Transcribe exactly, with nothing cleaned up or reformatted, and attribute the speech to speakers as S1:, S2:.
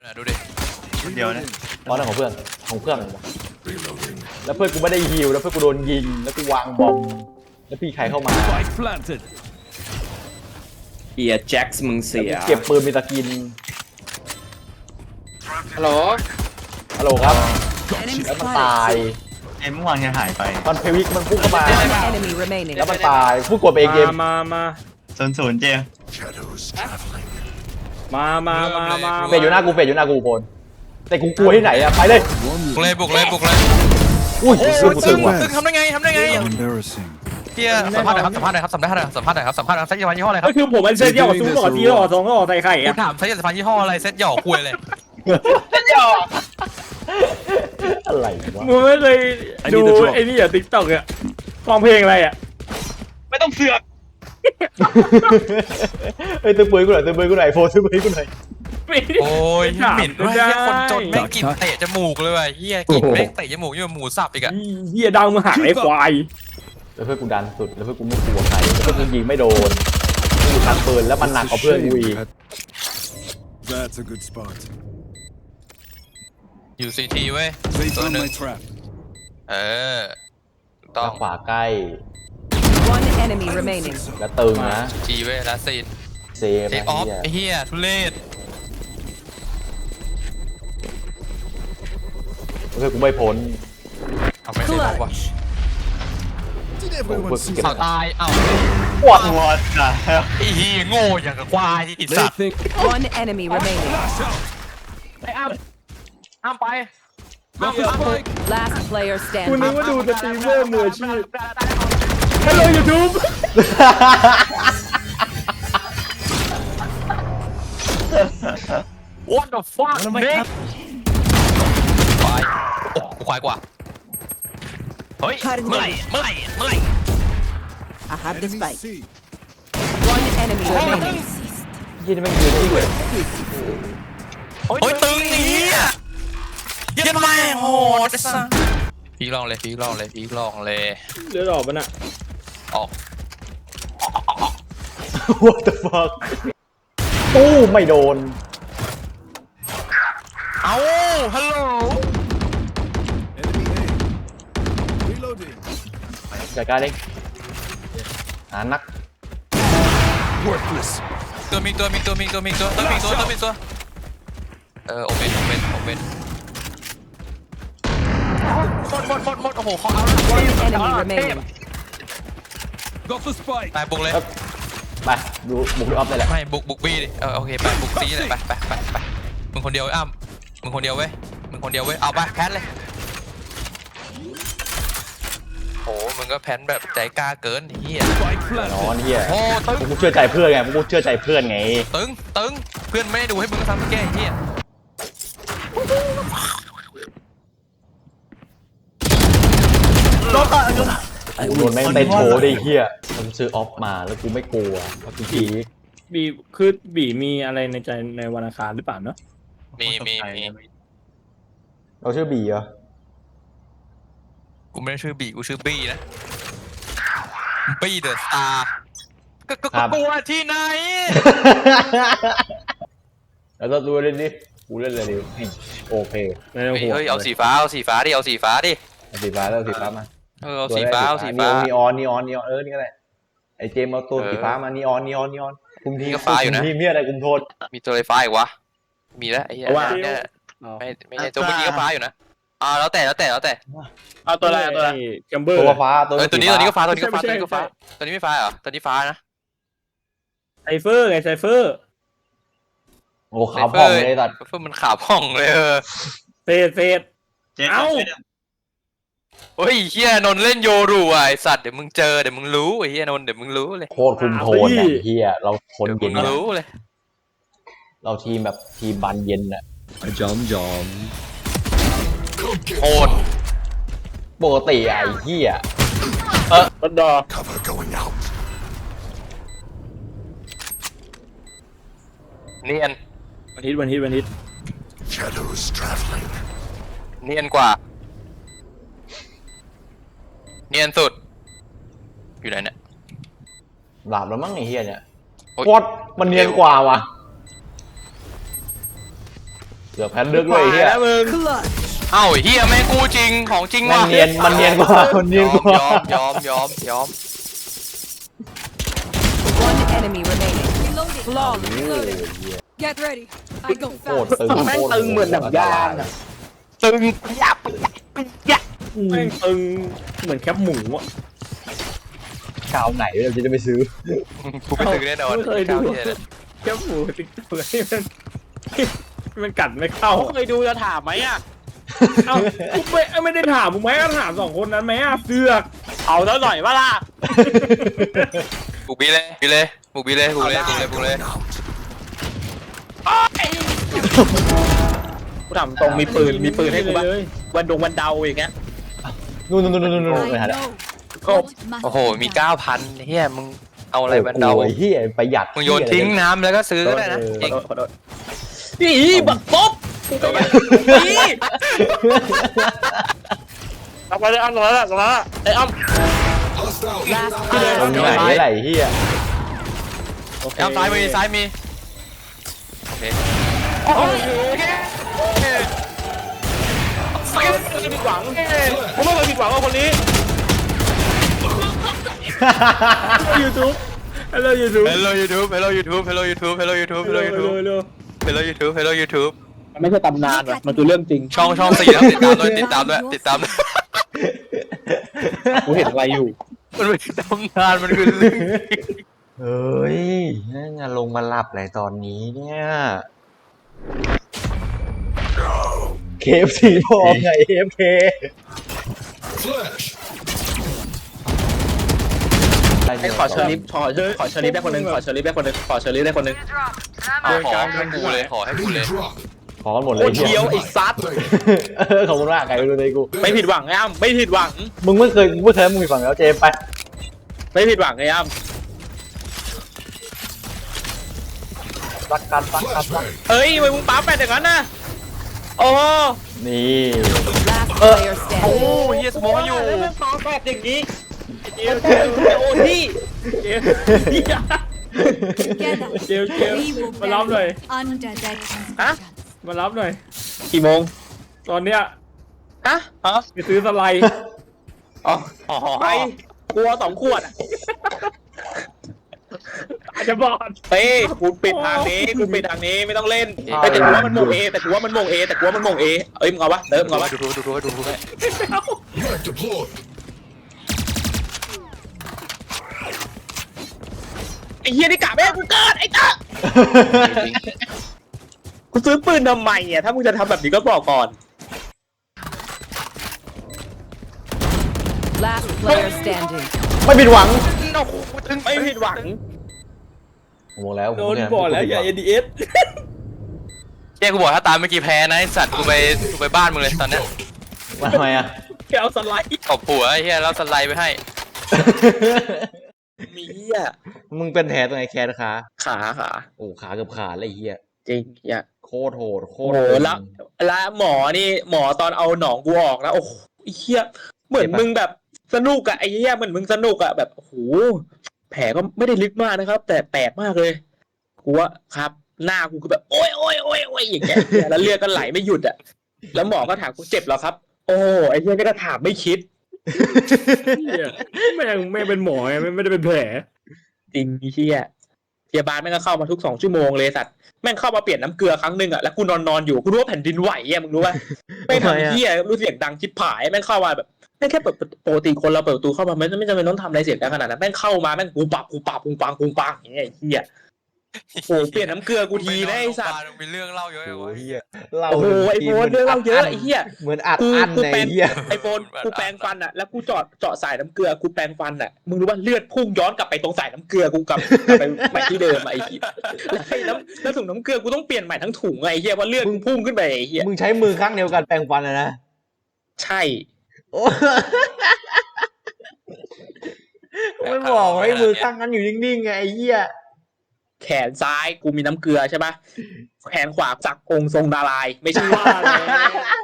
S1: ดูดิ
S2: เดียวนะ
S3: เพราะนั่นของเพื่อนของเพื่อนแล้วเพื่อนกูไม่ได้ฮิวแล้วเพื่อนกูโดนยิงแล้วกูวางบอมแล้วพี่ใครเข้ามา
S2: เอียแจ็คส์มึงเสีย
S3: เก็บปืนมีตะกิน
S1: ฮัลโหล
S3: ฮัลโหลครับแล้วมันตาย
S2: เอ็มเมื่อวานยังหายไป
S3: ตอนเพวิกมันพุ่งเข้ามาแล้วมันตายพูดกดไปเองเกม
S4: มามา
S2: ศูนย์ศูนย์เจ
S4: มามามามา
S3: เฟดอยู่หน้ากูเฟดอยู่หน้ากูโพนแต่กูกลัวที่ไหนอะไปเลย
S1: บุกเลยบุกเลยบุกเลย
S3: อุ้ยกูตึงว่ะ
S1: ตึงทำได้ไงทำได้ไงเฮียสัมภาษณ์หน่อยครับสัมภาษณ์หน่อยครับสัมภาษณ์หน่อยสัมภาษณ์หน่อยครับสัมภาษณ์หน่อยเซ็ตยาฟันยี่ห้ออะไรครับ
S4: ก็คือผมเป็นเซ็ตยาซูหล่อจีหล่อสองหล่อใส่ไข่
S1: กูถามเซ็ตยาฟันยี่ห้ออะไรเซ็ตหยอกคุยเลย
S3: เซ็ตหยอกอะไรวะ
S4: มึงไม่เคยดูไอ้นี่อ่ะติ๊กต็อกอ่ะฟังเพลงอะไรอ่ะ
S1: ไม่ต้องเสือก
S3: เฮ้ยตึ้งปืนกูหน่อยตึ้งปืนกูหน่อยโฟตึ้งปืนกูหน่อย
S1: โอ้ยเหม็นด้วยเฮียคนจนแม่งกลิ่นเตะจมูกเลยว่ะเฮียกลิ่นแม่งเตะจมูกยิ่งกว่าหมูสับอีกอะ
S4: เฮียดังมาหักไอ้ควาย
S3: แล้วเพื่อนกูดันสุดแล้วเพื่อนกูไม่กลัวใครแล้วเพื่อนกูยิงไม่โดนกูอยู่ตัดปืนแล้วมันหนักกว่าเพื่อนกูอีก
S1: อยู่ซีทีเว้ยตัวหนึ่งเออ
S3: ต้องขวาใกล้
S5: One enemy remaining
S3: แล้วตึงนะ
S1: จีเว้ยแล้วซีน
S3: เซฟ
S1: เทคออฟไอ้เหี้ยทุเรศ
S3: เพื่อนกูไม่พ้น
S1: เอาไม่ได้บอกว่าเขาตายเอ้า
S3: ปวด
S2: วอดนะ
S1: ไอ้เหี้ยโง่อย่างกับควายอีสัตว์
S5: One enemy remaining
S1: ไอ้อ้ำอ้ำไป
S5: Last player
S4: คุณ
S5: standing
S4: นึกว่าดูสตรีมเมอร์มืออาชีพฮัลโหลยูทูบ
S1: What the fuck เด็กควายโอ้กูควายกว่าเฮ้ยเมื่อไหร่เมื่อไหร่เมื่อไหร่
S5: I have the spike One enemy remaining
S3: ยี่นี่ไม่ยืนที่เลย
S1: โอ้ยตึงนี่อ่ะยันแม่โหดสัสพีลองเลยพีลองเลยพีลองเลย
S4: เลือดออกมันอะ
S1: ออก
S3: What the fuck ตู้ไม่โดน
S1: เอาฮัลโหล
S3: จัดการเองหานัก
S1: ตัวมีตัวมีตัวมีตัวมีตัวตัวมีตัวตัวมีตัวเออโอเปนโอเปนโอเปนหมดหมดหมดหมดโอ้โหเขาเอา
S5: enemy remaining
S1: ไปบุกเลย
S3: ไปดูบุกออฟได้แหละ
S1: ไม่บุกบุกบีดิเออโอเคไปบุกซีเลยไปไปไปไปมึงคนเดียวอ้ำมึงคนเดียวเว้ยมึงคนเดียวเว้ยเอาไปแพนเลยโอ้มึงก็แพนแบบใจกล้าเกินเฮีย
S3: นอนเฮีย
S1: โอ้ตึง
S3: กูเชื่อใจเพื่อนไงกูเชื่อใจเพื่อนไง
S1: ตึงตึงเพื่อนไม่ได้ดูให้มึงทำแก้เฮีย
S3: กูโดนแม่งเต้นโชว์ได้เฮียผมซื้อออฟมาแล้วกูไม่กลัวเพราะกูพี
S4: บีคือบีมีอะไรในใจในวันอังคารหรือเปล่าเนาะ
S1: มีมีมี
S3: เราชื่อบีเหรอ
S1: กูไม่ได้ชื่อบีกูชื่อบีนะบีเดอะสตาร์ก็ก็กลัวที่ไหน
S3: แล้วต้องดูเล่นดิกูเล่นเลยดิโอเค
S1: เฮ้ยเอาสีฟ้าเอาสีฟ้าดิเอาสีฟ้าดิ
S3: เอาสีฟ้าแล้วสีฟ้ามา
S1: เออเอาสีฟ้าเอาสีฟ้า
S3: นีออนนีออนนีออนเออนี่ก็ได้ไอเจมเอาตัวสีฟ้ามานีออนนีออนนีออนคุมที
S1: ก็ฟ้าอยู่นะ
S3: ทีมเนี่ยอะไรคุมโทษ
S1: มีตัวไฟฟ้าอีกวะมีแล้วไอ้เหี้ยไม่ไม่ใช่ตัวเมื่อกี้ก็ฟ้าอยู่นะอ่าแล้วแต่แล้วแต่แล้วแต่
S4: เอาตัวอะไรตัวอะไรแกมเบอร์
S3: ตัวฟ้าตัว
S1: ตัวนี้ตัวนี้ก็ฟ้าตัวนี้ก็ฟ้าตัวนี้ก็ฟ้าตัวนี้ไม่ฟ้าเหรอตัวนี้ฟ้านะ
S4: ไซเฟอร์ไงไซเฟอร์
S3: โอ้ขาวผ่องเลยตัด
S1: ไซเฟอร์มันขาวผ่องเลยเออ
S4: เฟดเฟดเอ้า
S1: โอ้ยเฮียนนเล่นโยรูไอสัตว์เดี๋ยวมึงเจอเดี๋ยวมึงรู้ไอ้เฮียนนเดี๋ยวมึงรู้เลย
S3: โคตรคุมโทนอ่ะเฮียเราคนเย็น
S1: รู้เลย
S3: เราทีมแบบทีมบานเย็นอ่ะ
S2: จอมจอม
S1: โหด
S3: ปกติไอ้เฮีย
S4: เออบัดดอ
S1: เนียน
S4: วันฮิตวันฮิตวันฮิต
S1: เนียนกว่าเนียนสุดอยู่ไหนเนี่ย
S3: หลับแล้วมั้งไอ้เฮียเนี่ยโคตรมันเนียนกว่าวะเกือบแพ้เลือกด้วยไอ้เฮีย
S4: แล้วมึง
S5: Clutch.
S1: เอ้าเฮียแม่งกูจริงของจริง
S3: มัน
S1: ว่ะ
S3: เนียนมันเนียนกว่ามันเนียนกว่าย
S1: อมยอมยอมยอม
S5: One enemy remaining.
S6: Reloading.
S5: Flawless.
S6: Reloading. Get ready. I go
S3: โคตร
S6: fast.
S3: ตึง
S4: แม่งตึงเหมือนหนังยางอะ
S1: ตึงยับยับ
S4: แม่งตึงเหมือนแคปหมูอ่ะ
S3: ชาวไหนเราจะได้ไปซื้อ
S1: กูไปตึงแน่นอน
S4: ไม่เคยดู
S1: เหี้ยเลย
S4: แคปหมูติ๊กเปื่อยมันมันกัดไม่เข้า
S7: เคยดูจะถามไหมอ่ะ
S4: เอ้ากูไม่ไม่ได้ถามมึงไหมก็ถามสองคนนั้นไหมอ่ะเสือก
S7: เอาแล้วหน่อยว่าล่ะ
S1: บุกบีเลยบีเลยบุกบีเลยบุกเลยบุกเลยบุกเลย
S7: กูถามตรงมีปืนมีปืนให้กูบ้างวันดงวันเดาอย่างเงี้ย
S3: นู่นนู่นนู่นนู่นนู่น
S6: I
S3: ไปหา
S6: know.
S7: ก็
S1: โอ้โหมีเก้าพันเฮียมึงเอาอะไรบันเดา
S3: โอ้ยเฮียประหยัด
S1: มึงโยนทิ้งน้ำแล้วก็ซื้อก็ได้นะจริง
S7: ขอโทษนี่บักป๊บนี่เอาไปเลยอ้ำตรงนั้นแหละตรงนั้นแหละไอ้อ้ำ
S5: Last
S3: ตรง
S5: player
S3: ไหน
S5: standing.
S3: ไหนเฮีย
S1: เอาซ้ายมีซ้ายมีโอเค
S7: ไม่เคยผิดหวังผมไม่เคยผิดหวังกับคนนี้
S4: ยูทูบฮัลโหลยูทูบ
S1: Hello YouTube Hello YouTube Hello YouTube Hello YouTube
S4: ฮัล
S1: Hello
S4: โหล
S1: YouTube Hello YouTube Hello YouTube
S7: มันไม่ใช่ตำนานว่ะมันคือเรื่องจริง
S1: ช่องช่องสี่แล้วติดตามด้วยติดตามด้วยติดตามด้วย
S7: กูเห็นอะไรอยู่
S1: มันไม่ใช่ตำนานมันคือเรื่องจริง
S3: เฮ้ยนั่นลงมาหลับอะไรตอนนี้เนี่ยเคฟซีพอไงเอฟเค
S7: ไอ้ขอเชอร์ลิฟขอเชอร์ขอเชอร์ลิฟได้คนหนึ่งขอเชอร์ลิฟได้คนหนึ่งขอเชอร์ลิฟได้คนหนึ่ง
S1: เอาขอให้กูเลยขอให้กูเลย
S3: ขอกันหมดเล
S7: โค
S3: ย
S7: ตรเคี้ยวไอ้ซัด
S3: เออขอบคุณมากไก่ดูเลยกู
S7: ไม่ผิดหวังไอ้อ้ำไม่ผิดหวัง
S3: มึงไม่เคยมึงไม่เคยมึงมีฝั่งแล้วเจมไป
S7: ไม่ผิดหวังไอ้อ้ำ
S3: รักกันรักกันรัก
S7: เฮ้ยทำไมมึงปั๊มแปดอย่างนั้นน่ะโอ้โห
S3: นี่
S5: Last player
S1: โอ้
S5: standing.
S1: เฮียสมองอยู่
S7: แล้วมันปั๊มแปดอย่างนี้เดี๋ยวโอ้ที่
S4: เจม
S6: Together.
S4: เจมเจม
S6: We will
S4: มารับหน่อย
S6: benefit under that
S7: Hả?
S6: instruction.
S4: มารับหน่อย
S7: กี่โมง
S4: ตอนเนี้ย
S7: ฮะ
S1: ฮะ
S4: ไปซื้อสไลด์
S7: อ๋อ
S1: อ๋อ
S7: ไปกลัวสองขวดอะ
S4: อาจจะบอด
S7: เป้กูปิดทางนี้กูปิดทางนี้ไม่ต้องเล่นแต่แต่กูว่ามันโมงเอแต่กูว่ามันโมงเอแต่กูว่ามันโมงเอเอ้ยมึงเอาวะเติมมึงเอาวะ
S1: ดูดูดูดูดูดู
S7: ไอ้เฮียนี่กะแม่กูเกิดไอ้ตากูซื้อปืนทำไมอ่ะถ้ามึงจะทำแบบนี้ก็บอกก่อน
S5: Last player standing.
S3: ไม่ผิดหวัง
S7: ไม่ผิดหวัง
S3: ผมบอกแล้วผม
S4: โดน
S3: เย
S4: บอดแล้วอย่า เอ ดี เอส
S1: เฮียกูบอกถ้าตามเมื่อกี้แพ้นะไอ้สัตว์กูไปกูไปบ้านมึงเลยตอนเนี้ย
S3: มาทำไมอ่ะ
S4: แกเอาสไลด์
S1: ตบหัวไอ้เฮียแล้วสไลด์ไปให้
S7: มีเฮีย
S3: มึงเป็นแผลตรงไหนแขนขา
S7: ขาขา
S3: โอ้ขาเกือบขาดเลยไอ้เฮีย
S7: จริงเฮีย
S3: โคตรโหดโค
S7: โอ้
S3: ตร
S7: โห
S3: โหด
S7: แล้วแล้วหมอนี่หมอตอนเอาหนองกูออกนะโอ้โหไอ้เฮียเหมือนมึงแบบสนุกอะไอ้เฮียเหมือนมึงสนุกอะแบบโอ้โหแผลก็ไม่ได้ลึกมากนะครับ แต่แปลกมากเลยกูว่าครับ หน้ากูก็แบบโอ้ยโอ้ยโอ้ยโอ้ยอย่างเงี้ยแล้วเลือดก็ไหลไม่หยุดอะแล้วหมอก็ถามกูเจ็บเหรอครับ โอ้ไอ้เฮียก็จะถามไม่คิด
S4: เหี้ยแม่งแม่งเป็นหมอไงไม่ไม่ได้เป็นแผล
S7: จริงไอ้เฮียพยาบาลแม่งก็เข้ามาทุกสองชั่วโมงเลยสัตว์แม่งเข้ามาเปลี่ยนน้ำเกลือครั้งหนึ่งอะแล้วกูนอนนอนอยู่กูรู้ว่าแผ่นดินไหวอะมึงรู้ป่ะไม่ทำเฮียรู้เสียงดังชิบหายแม่งเข้ามาแบบแม่งแค่เปิดปกติคนเราเปิดประตูเข้ามาไม่ไม่จำเป็นต้องทำอะไรเสียงดังขนาดนั้นแม่งเข้ามาแม่งกูปับกูปับกูปังกูปังอย่างเงี้ยไอ้เฮียโอ้เปลี่ยนน้ำเกลือกูทีนะไอ้สัตว์
S1: มีเรื่องเล่าเยอะ
S3: โอ้
S7: โ
S1: เว้ย
S3: เฮียเล่า
S7: โอ้โหไอโฟนเรื่องเราเยอะไอ้เฮีย
S3: เหมือนอัด
S7: กู
S3: อั้น
S7: กู
S3: ใน
S7: แปรง
S3: เฮีย
S7: ไอโฟนกูแปรงฟันอะแล้วกูเจาะเจาะสายน้ำเกลือกูแปรงฟันอะมึงรู้ว่าเลือดพุ่งย้อนกลับไปตรงสายน้ำเกลือกูกลับกลับไปใหม่ที่เดิมอะไอ้เหี้ยแล้วไอ้น้ำแล้วถุงน้ำเกลือกูต้องเปลี่ยนใหม่ทั้งถุงอะไอ้เหี้ยเพราะเลือดมึงพุ่งขึ้นไปไอ้เหี้ย
S3: มึงใช้มือข้างเดียวกันแปรงฟันอะนะ
S7: ใช่
S3: โอ้ไม่บอกให้มือข้างนั้นอยู่นิ่งๆไงไอ้เหี้ย
S7: แขนซ้ายกูมีน้ำเกลือใช่ปะแขนขวาสักองค์ทรงดารายณ์ไม่ใช่
S4: ว่าแล้ว